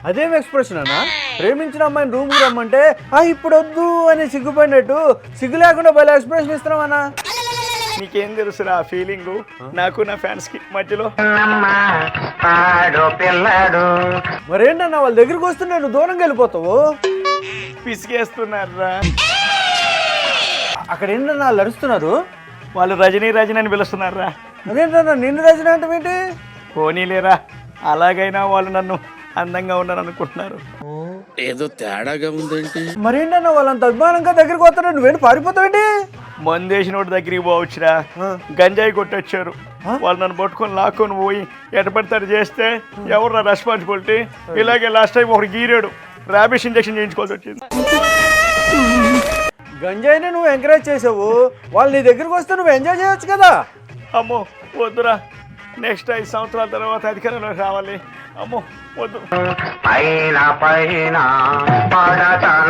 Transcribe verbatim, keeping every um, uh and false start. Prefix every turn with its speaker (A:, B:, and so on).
A: అదేం ఎక్స్ప్రెషన్ అన్నా? ప్రేమించిన అమ్మాయిని రూమ్కి రమ్మంటే ఆ ఇప్పుడు వద్దు అని సిగ్గుపడినట్టు సిగ్గు లేకుండా భలే ఎక్స్ప్రెషన్ ఇస్తున్నామన్నా.
B: నీకేం తెలుసురా ఆ ఫీలింగు నాకు నా ఫ్యాన్స్ కి మధ్యలో.
A: మరేంటన్నా వాళ్ళ దగ్గరికి వస్తుంటే నువ్వు దూరంగా వెళ్ళిపోతావు?
B: పిసికేస్తున్నారా
A: అక్కడ ఏంటన్నా వాళ్ళు అరుస్తున్నారు?
B: వాళ్ళు రజనీ రజనీ అని పిలుస్తున్నారా.
A: అదేంటన్నా నిన్ను రచన అంటే ఏంటి?
B: పోనీలేరా, అలాగైనా వాళ్ళు నన్ను అందంగా ఉన్నాను అనుకుంటున్నారు.
C: ఏదో తేడాగా ఉందేంటి?
A: మరేంటన్నా వాళ్ళంత అభిమానంగా దగ్గరికి వస్తారు, నువ్వేంటి పారిపోతావేంటి?
B: మందేసిన వాడి దగ్గరికి పోవచ్చురా, గంజాయి కొట్టొచ్చారు వాళ్ళు, నన్ను పట్టుకొని లాక్కొని పోయి ఎటపడతారు చేస్తే ఎవరు రెస్పాన్సిబిలిటీ? ఇలాగే లాస్ట్ టైం ఒకటి గీరాడు, ర్యాబిస్ ఇంజెక్షన్ చేయించుకోవాల్సి వచ్చింది.
A: గంజాయిని నువ్వు ఎంకరేజ్ చేసావు, వాళ్ళు నీ దగ్గరికి వస్తే నువ్వు ఎంజాయ్ చేయొచ్చు కదా.
B: అమ్మో వద్దురా, నెక్స్ట్ ఐదు సంవత్సరాల తర్వాత అధికారంలోకి రావాలి. అమ్మో వద్దు.